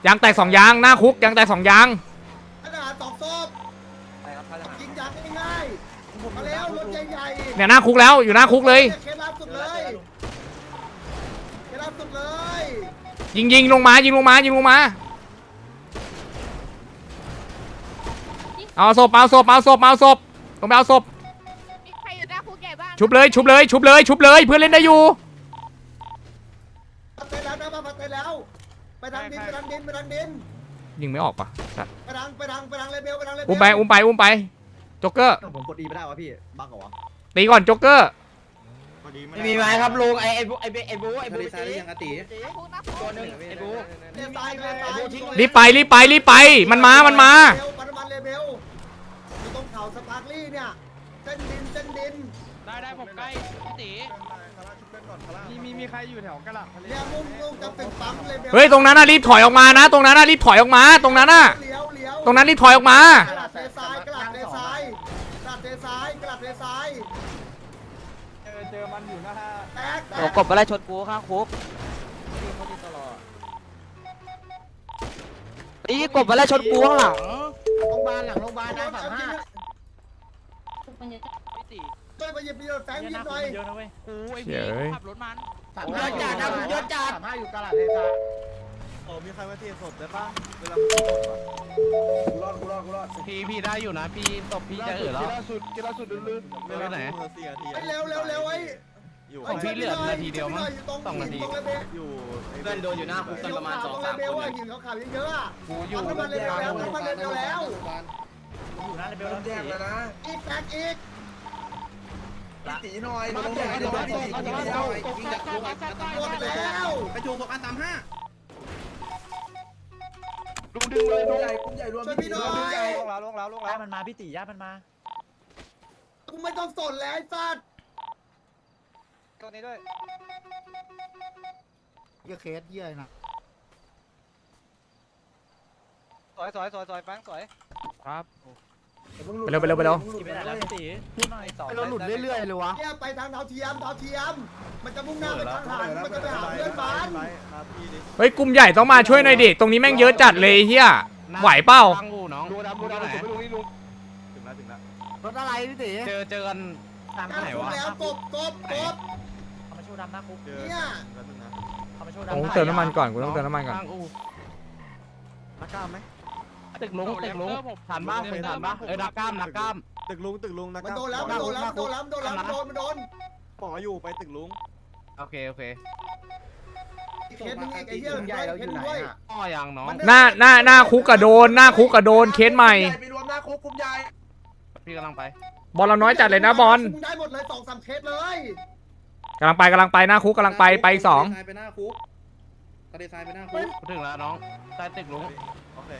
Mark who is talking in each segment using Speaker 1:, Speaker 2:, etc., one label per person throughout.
Speaker 1: ยางแตก2ยางหน้าคุกยางแตก2ยาง
Speaker 2: ทหาร2ศพยิงยางง่ายๆมาแล้วรถใหญ่ๆ
Speaker 1: เนี่ยหน้าคุกแล้วอยู่หน้าคุกเลย
Speaker 2: เคล่าสุดเลยเคล่าสุดเลย
Speaker 1: ยิงลงมายิงลงมาเอาศพลงไปเอาศพ
Speaker 3: มีใครอยู่หน้าคุกใหญ่บ้าง
Speaker 1: ชุบเลยเพื่อนเล่นได้อยู่
Speaker 2: ไปแล้วนะมาไปแล้วไปทางดิน
Speaker 1: ยิงไม่ออกปะ
Speaker 2: ไปทางเลเบล
Speaker 1: อุ้มไปโจ๊กเกอร์
Speaker 4: ผมกดดีไม่ได้วะพี่บั๊กเหรอวะ
Speaker 1: ตีก่อนโจ๊กเกอร์
Speaker 5: ไม่มีไม้ครับลุงไอ้บู
Speaker 4: ทะเลทรายยังอติ
Speaker 5: ตัวนึงไอ้บู
Speaker 1: รีบไปมันมา
Speaker 2: ปันเลเบลอยู่ตรงเขาสปาร์คลี่เนี่ยเส้นดิน
Speaker 5: ได้ผมใกล้พี่ตีมีใครอยู่แถวกระหล่ำทะเล
Speaker 2: เนี่ยมุ่งจะเป็นปั๊มเลเบล
Speaker 1: เฮ้ยตรงนั้นน่ะรีบถอยออกมานะตรงนั้นน่ะรีบถอยออกมาตรงนั้นน่ะตรงนั้นรีบถอยออกมาก
Speaker 2: ระดาษเททราย
Speaker 5: เจอมันอยู่นะฮะ
Speaker 2: แตก
Speaker 5: กบอะไรชนกูข้างคุกตีกบอะไรชนกูข้างหลัง
Speaker 4: โรงพยาบาลนะ
Speaker 5: พี่ตี
Speaker 2: ช่วยไปหยิบแฟงยิงหน่อย
Speaker 5: เยอะนะเว้ยกูไอ้พี่ขับรถมัน
Speaker 4: เยอะจัด35อยู่กระหล่ำเททราย
Speaker 6: มีใครมาเทศสดได้ป่ะเวลา
Speaker 4: กูรอด
Speaker 5: พี่ได้อยู่นะพี่ตบพี่จะแล้ว
Speaker 4: ล่าสุดลื่น
Speaker 5: เวลาไหน
Speaker 2: เร็วไอ้
Speaker 6: อยู่
Speaker 5: ของพี่เหลือนาทีเดียวมั้ง2 นาที
Speaker 6: อยู่
Speaker 4: เพื่อนโดนอยู่หน้าคุกกันประมาณ2-3
Speaker 2: คนเลยหินเขาขาวเยอะอ่ะ
Speaker 5: กูอยู่
Speaker 2: มันเร็วแล้ว
Speaker 4: อยู่หน้าเลเวลแยกแล้วนะ
Speaker 2: อีกแตกอีก
Speaker 4: ตีหน่อยมาแยกหน่อยยิงจากคุก
Speaker 2: หมดแล้ว
Speaker 4: ไปจูบอัน35
Speaker 5: ลุงดึงเลย
Speaker 4: กลุ่มใหญ่รวม
Speaker 2: ช่วยพี่หน่อย
Speaker 5: ลงแล้วมันมาพี่ตีย่ามันมา
Speaker 2: กูไม่ต้องสนแล้วไอ้สัตว์
Speaker 5: ตัวนี้ด้วย
Speaker 4: เยอะเคสเยอะนะ
Speaker 5: สวยแฟงสวยครับ
Speaker 1: ไปเร็ว
Speaker 5: ไม่ได้แล้วพี่ตีพูดหน่อย
Speaker 4: เราหลุดเรื่อยๆเลยวะ
Speaker 2: เนี่ยไปทางดาวเทียมมันจะมุ่งหน้าไปทางหันมันจะไปหาเพื่อนบ้าน
Speaker 1: เฮ้ยกลุ่มใหญ่ต้องมาช่วยหน่อยดิตรงนี้แม่งเยอะจัดเลยเฮียไหวเปล่า
Speaker 5: น้องดูดำไหน
Speaker 6: ถึงแล้ว
Speaker 4: รถอะไรพี่ตี
Speaker 5: เจอกันตามไหนวะ
Speaker 2: แล้วกบ
Speaker 5: เขามาชูดำหน้าคุก
Speaker 2: เนี่ย
Speaker 5: เขามาชูดำ
Speaker 1: ต้องเติมน้ำมันก่อนกูต้องเติมน้ำมันก่อน
Speaker 4: นักกล้ามไหม
Speaker 5: ตึกลุงผ่านบ้านผ่านบ้านนักกล้าม
Speaker 6: ตึกลุงนัก
Speaker 2: มันโดนแล้วมันโดน
Speaker 6: หมออยู่ไปตึกลุง
Speaker 5: โอเค
Speaker 2: เคสนึงอีกไอ้เหี้ยใหญ่เราอยู่ไหนอ่ะ
Speaker 5: อ๋อยังน้อง
Speaker 1: หน้าคุกกระโดนเคสใหม่
Speaker 4: ไปรวมหน้าคุกกลุ่มใหญ่
Speaker 5: พี่กำลังไป
Speaker 1: บอลเราน้อยจัดเลยนะบอล
Speaker 2: ได้หมดเลย2-3 เคสเลย
Speaker 1: กำลังไปหน้าคุกกำลังไป2
Speaker 4: ไปหน้าคุกทะเลทรายไปหน้าคุก
Speaker 5: ถึงแล้วน้องใต้ตึกลุง
Speaker 6: โอเค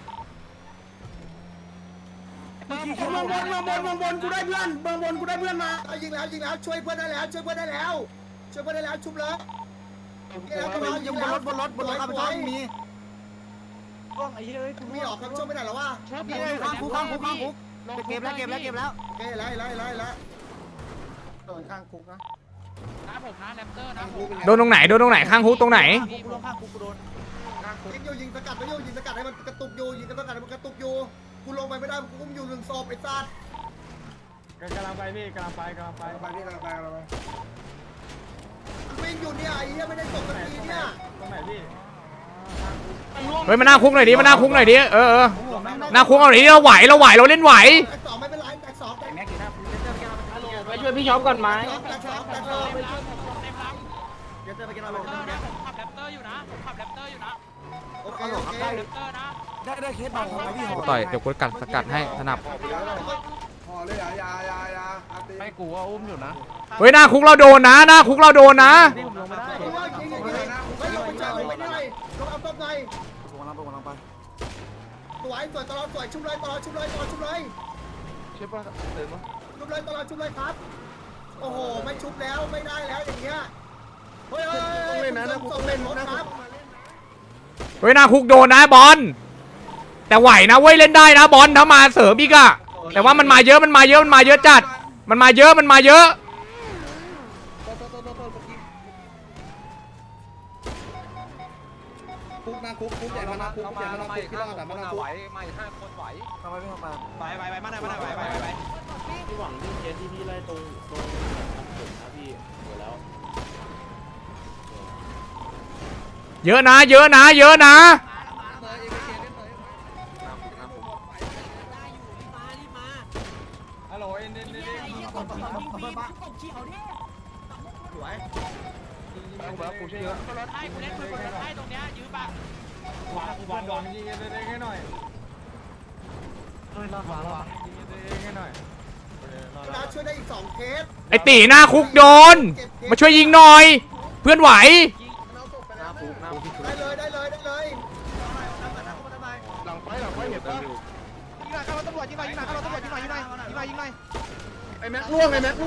Speaker 2: เมืองบนกูได้เพื่อนมายิงแล้วช่วยเพื่อนได้แล้วชุบเลย
Speaker 4: ยังบนรถข้ามไปมี
Speaker 5: กล้องไอ้เฮ้ย
Speaker 2: มีออกครับช่วยไม่ได้หรอวะ
Speaker 4: ข้างคุกเก็บแล้ว
Speaker 2: โอเคไล่โดนข้างคุกนะ
Speaker 5: ผมนะแรปเตอร์นะ
Speaker 1: โดนตรงไหนข้างคุกตรงไหน
Speaker 2: ยิงสกัดให้มันกระตุกอยู่กูลงไปไม่ได้กูอุ้มอยู่1 ศพไอ้สัตว์
Speaker 5: กำลังไปพี่
Speaker 2: วิ่งอยู่เนี่ยไอ้เหี้ยไม่ได้ตกสักทีเนี่ย
Speaker 5: ตรงไหนพี่
Speaker 1: เฮ้ยมาหน้าคุกหน่อยดิหน้าคุกหน่อยดิเราไหวเราเล่นไหว
Speaker 2: แตก2ไม่เป็นไรแตก2
Speaker 5: แม็กอยู่หน้าไปช่วยพี่ช็อปก่อนไหม
Speaker 2: แตก2
Speaker 5: เดี๋ยวไปกินอะไรผมขับแรปเตอร์อยู่นะ
Speaker 2: โอเค
Speaker 4: ได้เคสเบาของพี่หอ
Speaker 1: ต่อยเดี๋ยวกูสกัดให้สนับ
Speaker 4: ห่อเลยยา
Speaker 5: ไม่กูว่าอุ้มอยู่นะ
Speaker 1: เฮ้ยหน้าคุกเราโดนนะ
Speaker 2: ลงเอาต้มในสวยตลอดสวยชุบเลยชุบเลยครับโอ้โหไม่ชุบแล้วไม่ได้แล้วอย่างเงี้ยเฮ้ยต้องเล่นครับ
Speaker 1: เฮ้ยหน้าคุกโดนนะบอลแต่ไหวนะเว้ยเล่นได้นะบอลถ้ามาเสริมอีกอะแต่ว่ามันมาเยอะจัดมันมาเยอะ
Speaker 4: คุกใหญ่มาหน้าคุกคุกเปลี่ยนมาคุกที่รอดแต่มาคุก
Speaker 5: มาอีก5 คนไหว
Speaker 6: ทำไมไม่เข้ามา
Speaker 5: ไปมาหน่อยไป
Speaker 7: พี่หวังที่เคสที่พี่ไล่ตรงทำผมนะพี่เดี๋ยวแล้ว
Speaker 1: เยอะนะเยอะนะเยอะนะ
Speaker 5: ฮัลโหลเอ็น
Speaker 2: สวย
Speaker 5: กูช่วยเยอะรถให้กูเล่นปืนรถให้ตรงเนี้ยยืมปะวางยิงกันเองให้หน่อยยิงกันเองให้หน่อย
Speaker 2: นะช่วยได้อีก2เคส
Speaker 1: ไอตีหน้าคุกโดนมาช่วยยิงหน่อย เพื่อนไหว
Speaker 2: ได้เลยได้เลยได้เลย
Speaker 4: หลังไฟเห็นปะ
Speaker 5: ยิงหน่อยข้ารถตำรวจยิงหน่อยข้ารถตำรวจยิงหน่อย
Speaker 4: ไอ้แม็กล่วง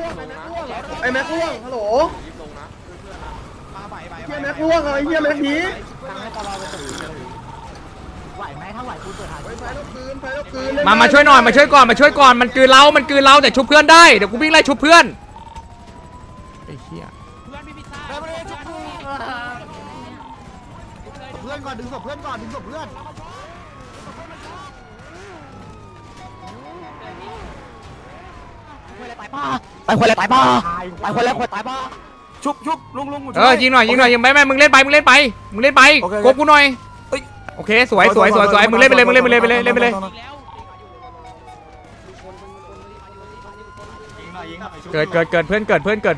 Speaker 4: ฮัลโหล
Speaker 5: มาไป
Speaker 4: เฮียแม็กล่วงไอ้เฮียแม็กผี
Speaker 2: ไหวไหมถ้าไหวกูเปิดหา
Speaker 4: ไฟแล้วคืน
Speaker 1: มาช่วยหน่อยมาช่วยก่อนมาช่วยก่อนมันกลืนเราแต่ชุบเพื่อนได้เดี๋ยวกูวิ่งไล่ชุบเพื่อนไอ้เหี้ย
Speaker 5: เพื่อนพี่พิซซ่า
Speaker 2: เพื่อนก่อนดึงศพเพื่อนก่อนดึงศพเพื่อน
Speaker 8: ไปคนเลยตายป่ะไปคนแล้วคนตายป่ะ
Speaker 6: ชุบลุง
Speaker 1: ยิงหน่อยยิงไม่มึงเล่นไปกบกูหน่อยโอเคสวยมึงเล่นไปเลย
Speaker 5: ยิงแล้ว
Speaker 1: เกิดเพื่อนเกิด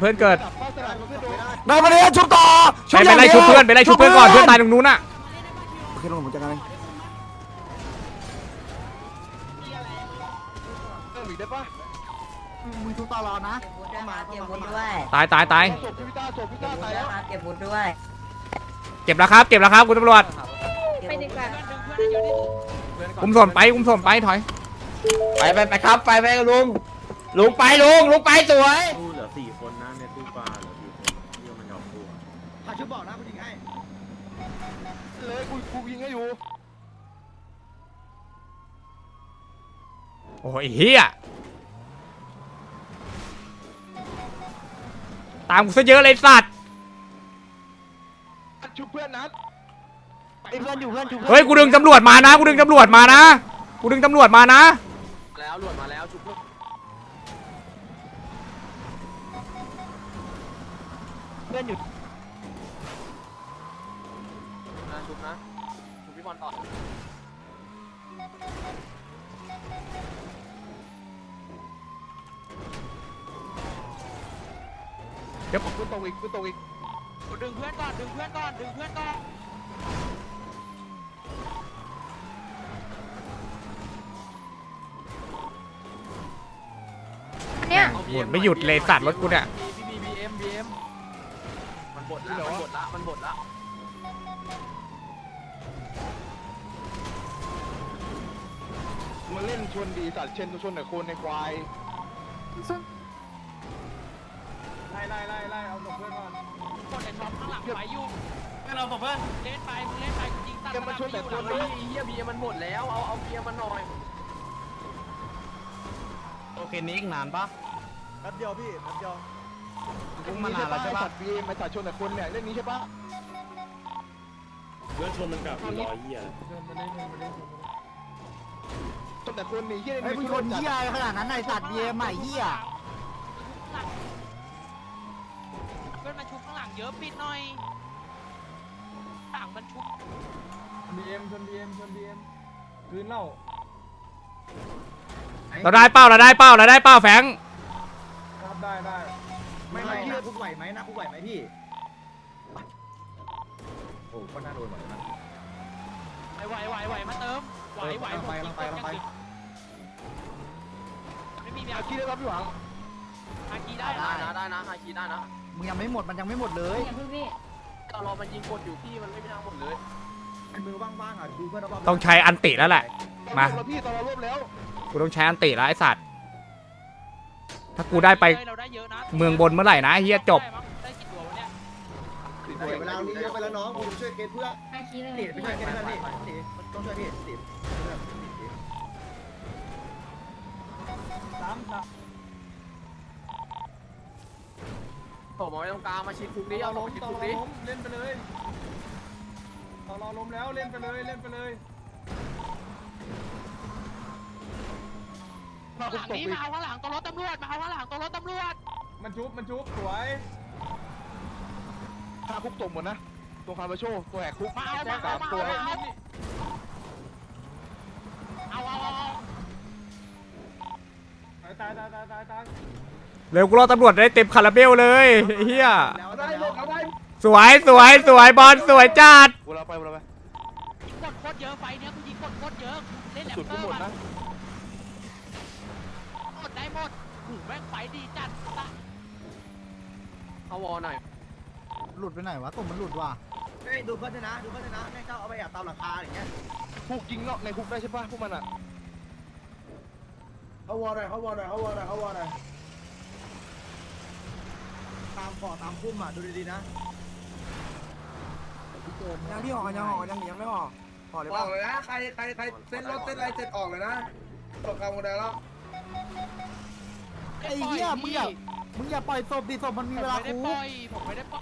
Speaker 6: ได้มาเลยชุบต่อ
Speaker 1: ไปไล่ชุบเพื่อนก่อนเพื่อนตายตรงนู้นน่ะ
Speaker 6: โอเคลุงผมจัดการเอง
Speaker 2: มึงชุบต่อรอนะ
Speaker 8: เก็บวุ้นด้วย
Speaker 1: ตาย
Speaker 4: ศพพี่ต้าตายแล้ว
Speaker 8: เก็บวุ้นด้วย
Speaker 1: เก็บแล้วครับคุณตำรวจ
Speaker 3: ไปดีกว่า
Speaker 1: อุ้มส่วนไปถอย
Speaker 8: ไปครับไปลุงไปสวย
Speaker 7: ตู้เหลือ4 คนนะในตู้ปลาเหลือ4 คนที่มันยอมตู้
Speaker 2: พาชุบบอกนะกูยิงให้
Speaker 4: เลยกูยิงให้อยู่
Speaker 1: โอ้ยเฮียตามกูซะเยอะเลยสัตว์
Speaker 4: ชุบเพื่อนนัด
Speaker 8: เพื่อนอยู่เพื่อนอยู่
Speaker 1: เฮ้ยกูดึงตำรวจมานะแล้วหลวดมานะ
Speaker 5: ชุบเพื่อน
Speaker 8: เพื่อนอยู่
Speaker 5: ชุบพี่บอลต่อ
Speaker 4: กูตกอีก
Speaker 5: ดึงเพื่อนก่อน
Speaker 3: เนี่ย
Speaker 1: หมุนไม่หยุดเลยสัตว์รถกูเนี่ย
Speaker 5: BM มันบดละ
Speaker 4: มาเล่นชวนดีสัตว์เช่นชวนแต่คนในควาย
Speaker 5: ไล่เอาศพเพื่อนก่อนคนในท็อปข้างหลังไปอยู่เราศพเพื่อนเล่นไปยิงตัด
Speaker 4: เกมมาชวนแต่คนเลย
Speaker 5: เฮียเบียร์มันหมดแล้วเอาเบียร์มันหน่อย
Speaker 8: โอเคนี้อีกนานปะ
Speaker 6: แป๊บเดียวพี่แป๊บเดียว
Speaker 8: ลุงมานานแล้วใช่ปะ
Speaker 4: สัตว์บีมาสัตว์ชวนแต่คนเนี่ยเล่นนี้ใช่ปะ
Speaker 7: เรื่องชนมันกลับรอยเหี้ย
Speaker 4: ชวนแต่คนนี่เฮีย
Speaker 2: ไอ้มึงชนเหี้ยขนาดนั้นไอ้สัตว์เบียร์ใหม่เหี้ย
Speaker 5: เพื่อนมาชุบข้างหลังเยอะปิดหน่อยต่างมันชุบ
Speaker 6: BM คืนเล่า
Speaker 1: เราได้เป้าแฟง
Speaker 6: ครับได้
Speaker 2: ไม่หน้าคุกไหวไหมพี่โอ้ก็น่าโดนเหมือนกัน
Speaker 5: ไหวมาเติมไหว
Speaker 2: ลงไป
Speaker 5: ไม่มี
Speaker 4: อาคีได้รับพี่หวัง
Speaker 5: ฮาคีได้นะฮาคีได้นะ
Speaker 2: มึงยังไม่หมดมันยังไม่หมดเลย
Speaker 5: เรารอมันยิงกดอยู่พี่มันไม่มีทางหมดเลย
Speaker 2: มือว่างๆอ่ะดูเพื่อนรอบๆ
Speaker 1: ต้องใช้อันติแล้วแหละ มา
Speaker 4: พี่ตอนเรารวบแล้ว
Speaker 1: กูต้องใช้อันติแล้วไอ้สัตว์ถ้ากูได้ไปเมืองบนเมื่อไหร่นะเฮียจบ
Speaker 5: ได้กี่ตัววะเนี่ย
Speaker 2: เดี๋ยวเวลานี้เยอะไปแล้วน้องกูช่วยเกณฑ์เพื่อน
Speaker 3: อาคีเลย
Speaker 2: ติดไปช่วยเกณฑ์เพื่อนพี่ต้องช่วยพี่ติด
Speaker 5: ผมเอาไว้ตรงกลางมาชิดคุกนี้เอาลงชิดคุกนี้
Speaker 6: เล่นไปเลยรอล้มแล้วเล่นไปเลยเล่นไปเลย
Speaker 5: หลังนี้มาเอาข้างหลังตัวรถตำรวจมาเอาข้างหลังตัวรถตำรวจ
Speaker 6: มันชุบสวย
Speaker 4: ถ้าคุกตกหมดนะตัวคาร์บาโชตัวแหกคุก
Speaker 5: มาเอา
Speaker 6: ตัว ตาย
Speaker 1: เร็วกูรอตำรวจได้เต็มคาราเบลเลยไอ้เฮีย
Speaker 2: แล้วได้หมดแล้วได้
Speaker 1: สวยบอลสวยจัด
Speaker 4: เวลาไป
Speaker 5: กดโคตรเยอะไฟเนี้ยกูยิงกดโคตรเยอะเล่นแหลม
Speaker 4: สุด
Speaker 5: เต
Speaker 4: กู
Speaker 5: อ
Speaker 4: หม
Speaker 5: ร์
Speaker 4: ดนะ
Speaker 5: หมดได้หมดหูแม่งไฟดีจัดเอาวอหน่อย
Speaker 6: หลุดไปไหนวะตุ่มมันหลุดว่ะ
Speaker 2: เฮ้ยดูเพื่อนด้วยนะแม่งก็เอาไปแอบตามหลังคาอย่างเงี้ย
Speaker 4: คุกยิงเนาะในคุกได้ใช่ป่ะพวกมันอ่ะ
Speaker 2: เขาวอหน่อยตามขอตามพุ่มอ่ะดูดีๆนะ
Speaker 6: ยังที่ห่อยังไม่ห่อห่อเลย
Speaker 4: อ
Speaker 6: ป่ะ
Speaker 4: อกเลยนะใครเส้นรถเส้นอะไรเสร็จออกเลยนะตกกลางวันแล้ว
Speaker 6: ไอ้เหี้ยมึงอย่าปล่อยศพดิศพมันมีเวลา
Speaker 5: ไม่ได้
Speaker 6: คู
Speaker 5: ปล่อยผมไม่ได้ปล่อย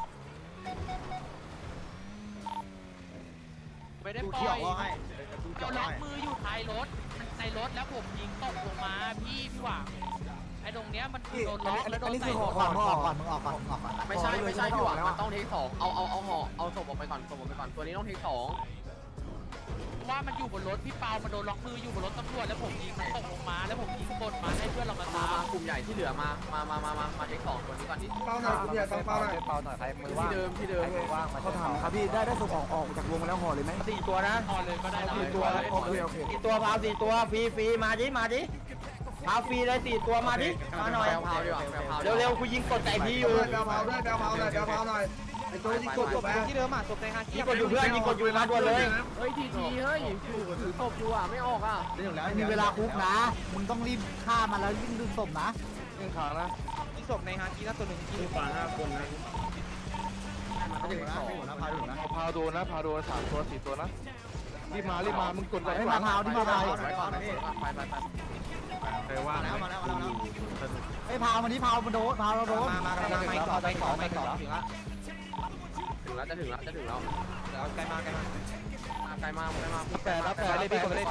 Speaker 5: ไม่ได้
Speaker 2: ดู
Speaker 5: ป
Speaker 2: เขีย
Speaker 5: ล่
Speaker 2: ว
Speaker 5: อย
Speaker 2: ว่าให้ดูเขีย
Speaker 5: เอา
Speaker 2: ว
Speaker 5: ล็อก
Speaker 2: ให้
Speaker 5: มืออยู่ท้ายรถในรถแล้วผมยิงตกลงมาพี่หวังไอ้ตรงเนี้ยมันโดนล็อกแล้วโดนใส่รถ
Speaker 6: มึงออกก่อนไม่ใช่พี่หวังมันต้อง
Speaker 5: เอาศพออกไปก่อนตัวนี้ต้องเทคสองว่ามันอยู่บนรถพี่เปามันโดนล็อกมืออยู่บนรถตำรวจแล้วผมยิงมันตกลงมาแล้วผมยิงกดมาให้เพื่อนเรามาตามกลุ่มใหญ่ที่เหลือมาเทคสองตัวนี้ก่อนดิ
Speaker 4: เป้าหน่อยคุณเนี่ยต้องเป้าหน่อย
Speaker 5: ที่เดิม
Speaker 6: เขาถามครับพี่ได้ศพออกจากวงแล้วห่อเลยไหม
Speaker 8: 4 ตัวนะ
Speaker 5: พอเลยก็ได้นะ
Speaker 6: 4 ตัวโอเค
Speaker 8: 4 ตัวพาว4 ตัวฟรีมาดิพาวฟรีเลย4 ตัวมาดิมาหน่อย
Speaker 5: พาวดีกว่าพาว
Speaker 8: เร็วๆกูยิงกดไก่พี่อยู่
Speaker 4: เดาเผาหน่อยไอ้ตัวยิงกดจบแล้ว
Speaker 5: ที่เดิมอ่ะศพในฮา
Speaker 8: ยิงกดอยู่เพื่อนยิงกดอยู่มาด่วนเลย
Speaker 5: เฮ้ยทีเฮ้ยถือศพอยู่อ่ะไม่ออกอ่ะ
Speaker 2: ได้ถึงแล้ว
Speaker 6: มีเวลาคุกนะ มึงต้องรีบฆ่ามันแล้วยิ่งดึงศพนะ
Speaker 4: ยิงขานะ
Speaker 5: ที่ศพในฮาคีน่าตัวหนึ่งที่
Speaker 7: ปลา5 คนนะ
Speaker 2: ได้ถึงแล้วพาถึงแล้ว
Speaker 4: พาโดน3 ตัว 4 ตัวนะรีบมามึงกดไว้
Speaker 6: ไอ้มาพาวที่มาพาว
Speaker 5: ไป
Speaker 2: มาแล้ว
Speaker 6: ไอ้พาวมันนี่พาวมันโดนพาวเราโดน
Speaker 5: ไปต่อถึงแล้วจะถึงแล้วใกล้มาก
Speaker 4: 8เลยพี่กดไปเลย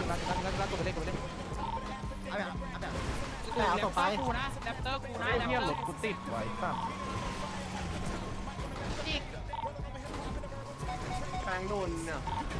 Speaker 6: แต่เอาศพไป
Speaker 5: กูนะแรปเตอร์กูนะแรปเตอร์
Speaker 4: กูติดไว้ป่ะ
Speaker 5: อีก
Speaker 4: แปงโดนเนี่ย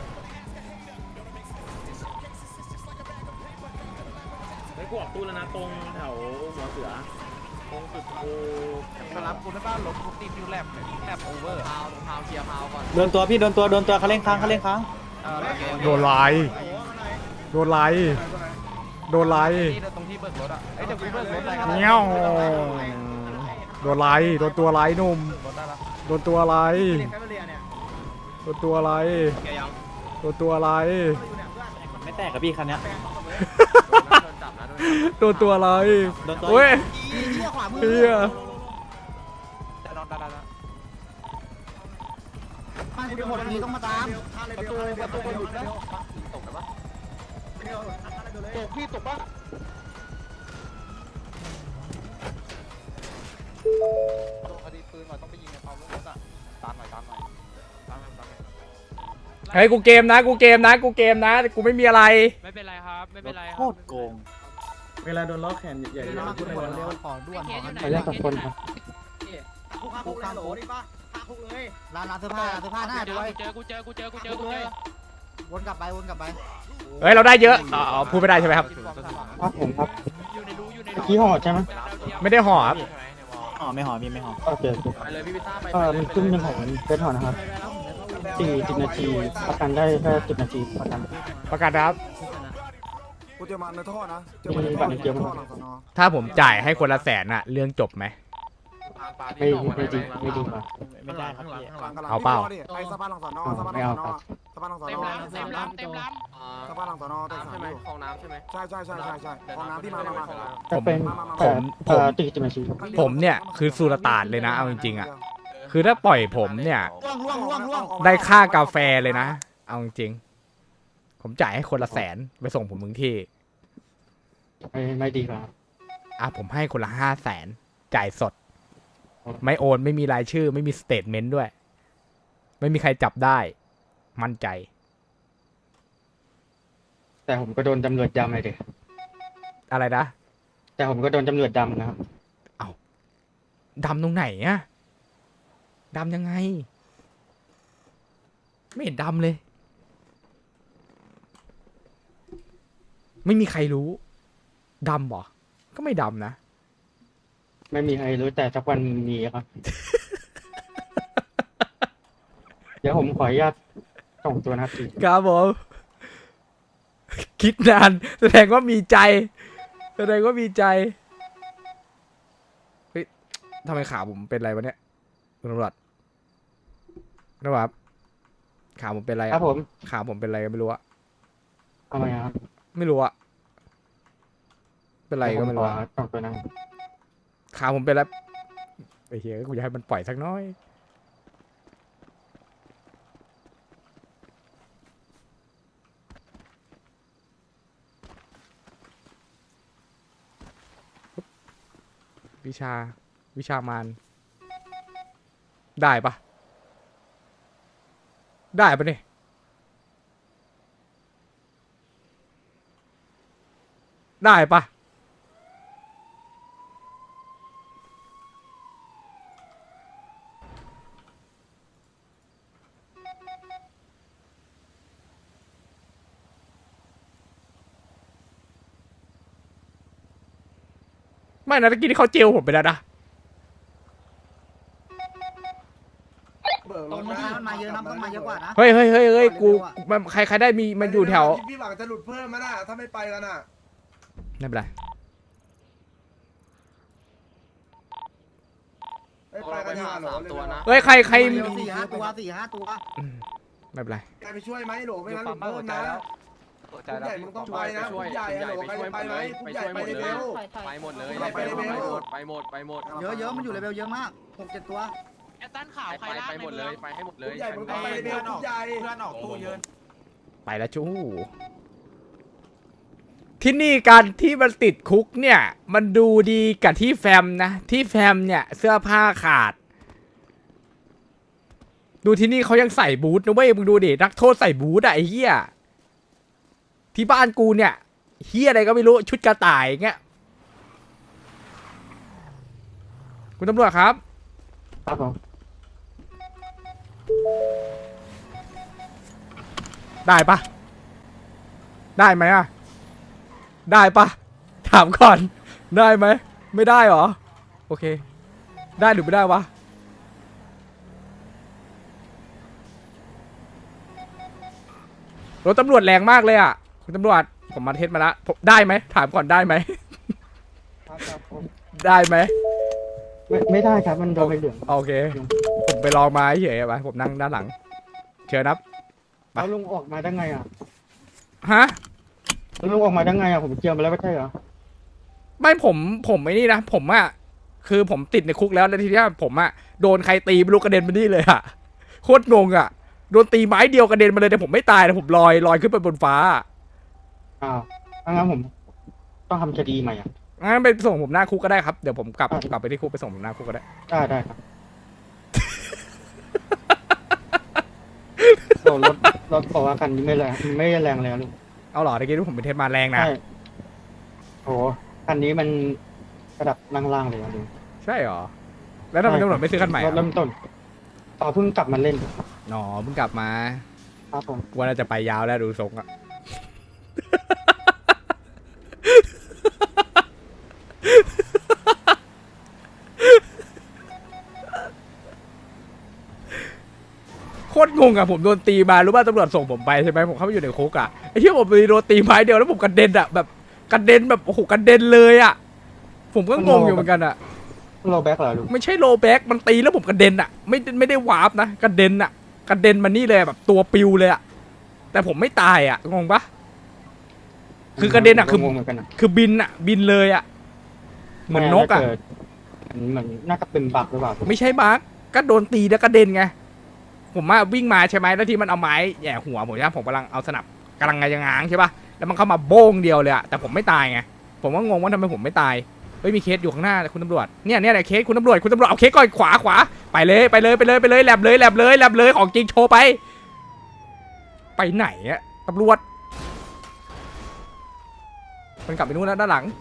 Speaker 7: ไอ้กูออกตู้แล้วนะตรงแถวหัวเสือตรงสุดกู
Speaker 4: มารับกูได้ป่ะรถกูติดอยู่แลบโอเวอร์
Speaker 5: พาวเคลียร์พาวก่อน
Speaker 6: โดนตัวพี่โดนตัวเขาเล่นค้าง
Speaker 1: โดนไล่โดนไล่
Speaker 4: ตรงที่เบิกรถอ่ะไอ้เดี๋ยวกูเบิกรถอะไรกัน
Speaker 1: เงี้ยวโดนไล่โดนตัวไล่หนุ่มโดนตัวไล่
Speaker 2: เรียนแคมเปเรียเนี่ย
Speaker 1: โดนตัวไล่โดนตัวไล่
Speaker 2: อยู่เนี่ยเพื่อน
Speaker 6: ไม่แตกกับพี่คันเนี้ย
Speaker 1: โดนตัวไล่โอ้ย
Speaker 6: เหี้ยขวามือ
Speaker 1: เฮีย
Speaker 6: มันกูจะหมดนี้ต้องมาตาม
Speaker 2: ประตูก็หลุดนะ
Speaker 5: ตกแล้วปะ
Speaker 4: ตกพี่ตกป่ะ
Speaker 6: คดีปืนหน่อยต้องไปยิงในความรถอ่ะตามหน่อย
Speaker 1: เฮ้ยกูเกมนะกูไม่มีอะไร
Speaker 5: ไม่เป็นไรครับไม่เป็นไร
Speaker 6: โคตรโกง
Speaker 7: เวลาโดนล้อแขนใหญ่ๆพูดในวัน
Speaker 6: เร็
Speaker 7: แล้ว ว
Speaker 6: ขอด่วน
Speaker 5: เคสอยู่ไหน
Speaker 6: ขอแยกกับคนครับ
Speaker 2: คุกข้าคุกเลยโหลนี่ป่ะข้าคุกเลย
Speaker 6: ร้านเสื้อผ้าหน้าด้วย
Speaker 5: กูเจอ
Speaker 6: วนกลับไป
Speaker 1: เฮ้ยเราได้เยอะพูดไม่ได้ใช่ไหมครับ
Speaker 6: ครับผมครับ
Speaker 5: อยู่ในรู
Speaker 6: ขี้ห่อใช่ไหม
Speaker 1: ไม่ได้ห่อครับ
Speaker 6: ห่อไม่ห่อมีไม่ห่อโอเค
Speaker 5: ไปเลยพี่พิต้าไป
Speaker 6: มันขึ้นเป็นของเฟสห่อนะครับ40 นาทีประกันได้แค่10 นาทีประกัน
Speaker 1: ประกาศนะครับ
Speaker 6: กูจะมาในท่อนะจะมาในท่อหลังสน
Speaker 1: ถ้าผมจ่ายให้คนละ100,000อะเรื่องจบไหม
Speaker 6: ไม่ดีกว่าไม่ได้ครับพี่
Speaker 1: เอาเปล่า
Speaker 6: ไปสะพานหลังสอนอสะพานหลังสอนอสะพานหลังสอน
Speaker 5: เต็ม
Speaker 6: อ
Speaker 5: ล้ำ
Speaker 6: สะพานหลังสอนอแต่
Speaker 5: น้ำ
Speaker 6: สา
Speaker 5: ใช่
Speaker 6: ม
Speaker 5: ไหม
Speaker 6: อยู่
Speaker 5: คลองน้ำใช่ไหม
Speaker 6: ใช่ของน้ำที่มา
Speaker 1: ผมเนี่ยคือสุรตานเลยนะเอาจริงๆอะคือถ้าปล่อยผมเนี่ย
Speaker 6: ล่วง
Speaker 1: ได้ค่ากาแฟเลยนะเอาจริงๆผมจ่ายให้คนละ100,000ไปส่งผมถึงที่
Speaker 6: ไม่ดีครับ
Speaker 1: ผมให้คนละ500,000จ่ายสด ไม่โอนไม่มีรายชื่อ ไม่มีสเตทเมนต์ด้วย ไม่มีใครจับได้มั่นใจ
Speaker 6: แต่ผมก็โดนตำรวจดำเลยดิ
Speaker 1: อะไรนะ
Speaker 6: แต่ผมก็โดนตำรวจดำนะครับ
Speaker 1: ดำตรงไหนอะดำยังไง ไม่เห็นดำเลย ไม่มีใครรู้ดำเหรอก็ไม่ดำนะ
Speaker 6: ไม่มีใครรู้แต่สักวันมีครับ เดี๋ยวผมขออนุญาตส่งตัวนะครับพี่
Speaker 1: ครับผมคิดนานแสดงว่ามีใจ แสดงว่ามีใจเฮ้ยทำไมขาผมเป็นอะไรวะเนี่ยคุณตำรวจนะครับขาผมเป็นอะไร
Speaker 6: ครั
Speaker 1: อะ
Speaker 6: บผม
Speaker 1: ขาผมเป็นอะไรก็ไม่รู้อะ
Speaker 6: ทำไมครับ
Speaker 1: ไม่รู้อะเป็นไรก็ไม่รู้
Speaker 6: เดี๋ยว
Speaker 1: อะ
Speaker 6: ผขอส่งตัวนะครับ
Speaker 1: ขาผมเป็นแล้วไอ้เหี้ยกูอยากให้มันปล่อยสักน้อยวิชามารได้ปะได้ปะเนี่ยได้ปะไม่นะตะกี้ที่เขาเจลผมไปแล้วนะ
Speaker 4: ตรงนี้มันมาเยอะนะต้องมาเยอะกว่านะ
Speaker 1: เฮ้ยกูมันใครได้มีมันอยู่แถว
Speaker 4: พี่หวังจะหลุดเพิ่มมั้ยน่ะถ้าไม่ไปกันน่ะ
Speaker 1: ไม่เป็นไร
Speaker 4: ไม่ไปกันหาหรอ
Speaker 5: ตัวนะ
Speaker 1: เฮ้ยใคร
Speaker 4: สี่ห้าตัว
Speaker 1: อืมไม่เป็นไร
Speaker 4: ใครไปช่วยไหมหรอไม่งั้นหลุดเพิ่มนะผู้ใหญ่มึงต้องไปนะผู้ใหญ่หรอใครจะไปไหมผู้ใหญ่ไปเร็ว
Speaker 5: ไปหมดเลย
Speaker 4: ไปหมด
Speaker 5: ไปหมด
Speaker 4: เยอะมันอยู่เลเวลเยอะมาก6-7ตัว
Speaker 5: แอตตันข่าวใครไปหมดเลยไปให้หมดเลย
Speaker 4: ผู้ใหญ่มึงต้องไปเร็วผู้ใหญ่
Speaker 5: เพื่อนออกตู้เยอะ
Speaker 1: ไปแล้วจู้ที่นี่การที่มันติดคุกเนี่ย มันดูดีกับที่แฟมนะ ที่แฟมเนี่ยเสื้อผ้าขาด ดูที่นี่เขายังใส่บูทนะเว้ยมึงดูดินักโทษใส่บูทอะไอ้เหี้ยที่บ้านกูเนี่ยเหี้ยอะไรก็ไม่รู้ชุดกระต่ายเงี้ยคุณตำรวจครับ
Speaker 6: ครับผม
Speaker 1: ได้ปะได้ไหมอะได้ปะถามก่อนได้ไหมไม่ได้เหรอโอเคได้หรือไม่ได้วะรถตำรวจแรงมากเลยอ่ะคุณตำรวจผมมาเทสมาแล้วผมได้ไหมถามก่อนได้ไหม
Speaker 6: ครับผม
Speaker 1: ได้ไหม
Speaker 6: ไม่ได้ครับมันโดนใบเหลือง
Speaker 1: โอเคผมไปลองมาเฉยๆไปผมนั่งด้านหลังเชิญครับ ไป
Speaker 6: แล้วลุงออกมาได้ไงอ่ะ
Speaker 1: ฮะ
Speaker 6: แล้วลุงออกมาได้ไงอ่ะผมเจียมไปแล้วไม่ใช่เหรอ
Speaker 1: ไม่ผมไม่นี่นะผมอะคือผมติดในคุกแล้วทีเนี้ยผมอะโดนใครตีไม่รู้กระเด็นมานี่เลยอะโคตรงงอะโดนตีไม้เดียวกระเด็นมาเลยแต่ผมไม่ตายแต่ผมลอยขึ้นไปบนฟ้า
Speaker 6: อ้าวงั้นผมต้องทำคดีใหม่อ่ะ
Speaker 1: งั้นไปส่งผมหน้าคุกก็ได้ครับเดี๋ยวผมกลับไปที่คุกไปส่งผมหน้าคุกก็ได้
Speaker 6: ได้ครับ โอ้รถบอกว่าคันนี้ไม่แรงเลยอะลุง
Speaker 1: เอาเหรอตะกี้ที่ผมเป็นเทสมาแรงนะ
Speaker 6: ใช่โหคันนี้มันระดับล่างๆเลยอะลุง
Speaker 1: ใช่เหรอแล้วทำไมตำรวจไม่ซื้อคันใหม่
Speaker 6: รถเริ่มต้นต่อเพิ่งกลับมาเล่น
Speaker 1: หนอเพิ่งกลับมา
Speaker 6: ครับผม
Speaker 1: ว่าน่าจะไปยาวแล้วดูทรงอะ โคตรงงอะผมโดนตีมารู้ป่ะตำรวจส่งผมไปใช่ไหมผมเข้าไปอยู่ในคุกอะไอ้ที่ผมโดนตีไม้เดียวแล้วผมกระเด็นอะแบบกระเด็นแบบโอ้โหกระเด็นเลยอะผมก็งงอยู่เหมือนกันอะ
Speaker 6: โลแบ็กเหรอลุง
Speaker 1: ไม่ใช่โลแบ็กมันตีแล้วผมกระเด็นอะไม่ได้วาร์ปนะกระเด็นอะกระเด็นมานี่เลยแบบตัวปิวเลยอะแต่ผมไม่ตายอะงงปะคือกระเด็นอะคือง
Speaker 6: งเหมือนกันอะ
Speaker 1: คือบินอะบินเลยอะเหมือนนกอะ
Speaker 6: าจเหมือนน่าจะเป็นบักหรือเปล่า
Speaker 1: ไม่ใช่บักก็โดนตีแล้วกระเด็นไงผมว่าวิ่งมาใช่ไหมแล้วที่มันเอาไม้แหย่หัวผมใช่ไหมผมกำลังเอาสนับกำลังงางใช่ปะแล้วมันเข้ามาโบ้งเดียวเลยอะแต่ผมไม่ตายไงผมก็งงว่าทำไมผมไม่ตายเฮ้ยมีเคสอยู่ข้างหน้าคุณตำรวจเนี่ยเคสคุณตำรวจเอาเคสก่อนขวาไปเลยแลบเลยของจริงโชว์ไปไหนอะตำรวจมันกลับไปนู่นแล้วด้านหลัง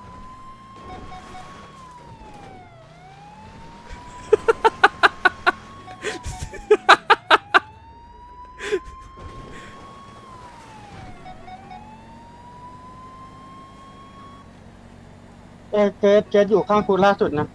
Speaker 6: เจสอยู่ข้างคุณล่าสุดนะ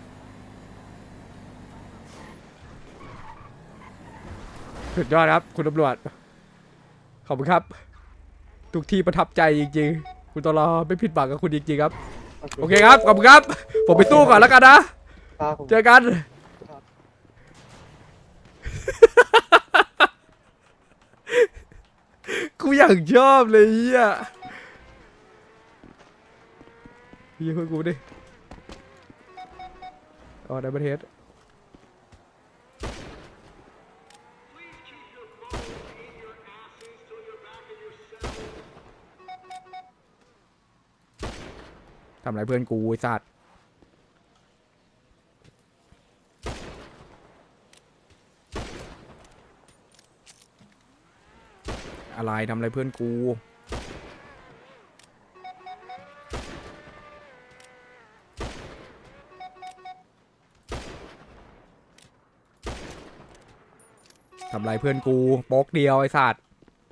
Speaker 1: สุดยอดครับคุณตำรวจขอบคุณครับ ทุกที่ประทับใจจริงๆคุณตลอไม่ผิดหวังกับคุณจริงๆครับโอเคครับขอบคุณครับผมไปสู้ก่อนแล้วกันนะครับ
Speaker 6: ผม
Speaker 1: เจอกัน กูอยากชอบเลยเฮียพี่คุยกูดิอ๋อได้ประเทศทำไรเพื่อนกูไอ้สัตว์อะไรทำอะไรเพื่อนกูทำไรเพื่อนกูโป๊กเดียวไอ้สัตว์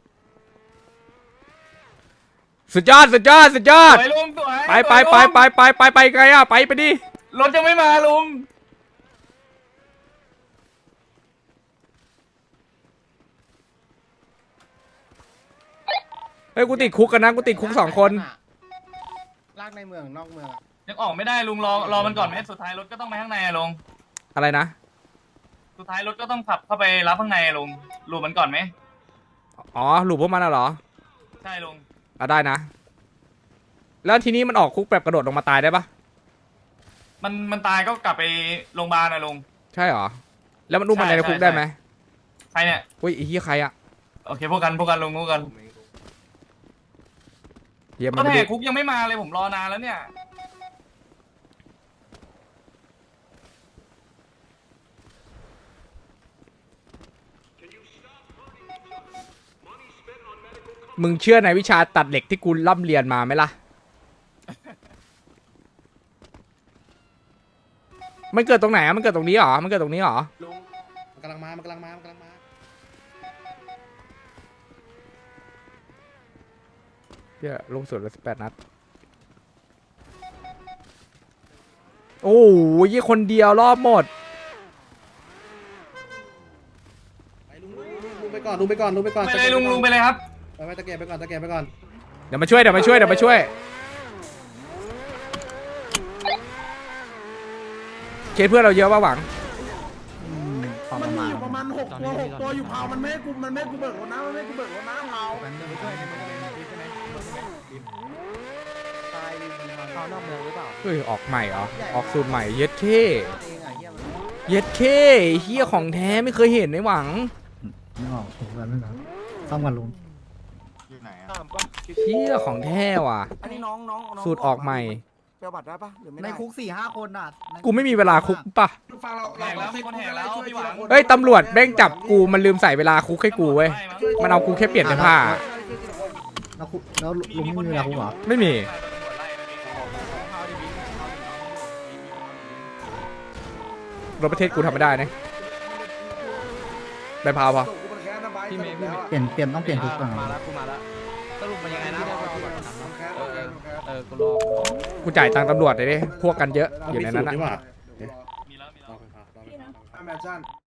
Speaker 1: สุดยอดสุดยอดสุดยอด
Speaker 8: ไปลุงสวย
Speaker 1: ไปไงอะไปดิ
Speaker 8: รถยังไม่มาลุง
Speaker 1: เฮ้ยกูติดคุกกันนะกูติดคุก2 คน
Speaker 2: ลากในเมืองนอกเมือง
Speaker 8: ยังออกไม่ได้ลุงรอมันก่อนไหมสุดท้ายรถก็ต้องไปข้างในอะลุง
Speaker 1: อะไรนะ
Speaker 8: สุดท้ายรถก็ต้องขับเข้าไปรับข้างในอะลุงรูมันก่อนไหม
Speaker 1: อ๋อหลุมพวกมันเหรอ
Speaker 8: ใช่ลุง
Speaker 1: ได้นะ แล้วทีนี้มันออกคุกแบบกระโดดลงมาตายได้ปะ
Speaker 8: มันตายก็กลับไปโรงพยาบาลนะลุง
Speaker 1: ใช่เหรอแล้วมันอุ้มมันในคุกได้ไหม
Speaker 8: ใครเนี่ย
Speaker 1: อุ้ยไอ้เหี้ยใครอะ
Speaker 8: โอเคพวกกันลุงพวกกัน
Speaker 1: เหี้ยมั
Speaker 8: ก็
Speaker 1: นไม่
Speaker 8: แห
Speaker 1: ได้
Speaker 8: กคุกยังไม่มาเลยผมรอนานแล้วเนี่ย
Speaker 1: มึงเชื่อในวิชาตัดเหล็กที่กูร่ำเรียนมาไหมล่ะ มันเกิดตรงไหนอะมันเกิดตรงนี้เหรอมันเกิดตรงนี้เหรอ
Speaker 2: มันกำลังมามันกำลังมามันกำลังมา
Speaker 1: เหี้ยลงสุดแล้ว18 นัดโอ้ยยี่คนเดียวรอบหมด
Speaker 2: ไปลุงไปก่อนลุงไปก่อนลุงไปก่อน
Speaker 8: ไปเลยลุงไปเลยครับ
Speaker 2: ไปตะเกียบไปก่อนตะเกียบไปก่อน
Speaker 1: เดี๋ยวมาช่วยเคสเพื่อนเราเยอะป่ะหวัง
Speaker 2: มันมีอยู่ประมาณ6 ตัวอยู่เผามันไม่ให้กูเบิกรถนะมันไม่ให้กูเบิกรถนะเผา
Speaker 1: เฮ้ยออกใหม่เหรอออกสูตรใหม่เย็ดเคเฮียของแท้ไม่เคยเห็นในหวัง
Speaker 6: ไม่ออกผมกันไม่นะซ่อมกันลุง
Speaker 1: เฮียของแท้ว่ะ
Speaker 2: อันนี้น้อง
Speaker 1: สูตรออกใหม่
Speaker 2: เปลบัตรได้ปะหรือไม่
Speaker 6: ใน
Speaker 2: ได้
Speaker 6: คุก4-5 คนน่ะ
Speaker 1: กูไม่มีเวลาคุกป่ะ
Speaker 2: ฟังเรา
Speaker 8: แหกแล้วมีคนแหกแล้วพี่หวัง
Speaker 1: เฮ้ยตำรวจแม่งจับกูมันลืมใส่เวลาคุกให้กูเว้ยมันเอากูแค่เปลี่ยนเสื้อผ้า
Speaker 6: แล้วลุงไม่มีเวลาคุกเหรอ
Speaker 1: ไม่มีรถประเทศกูทำไม่ได้นะใบพาวพอ
Speaker 2: พี่เมย์
Speaker 6: เปลี่ยนต้องเปลี่ยนคุกก่อน
Speaker 5: มาแล้วสรุปมันยังไงนะ กูรอ
Speaker 1: กูจ่ายตังค์ตำรวจเลยดิพวกกันเยอะอยู่ในนั้นนะ
Speaker 8: มีแล้ว
Speaker 2: แมนชั่น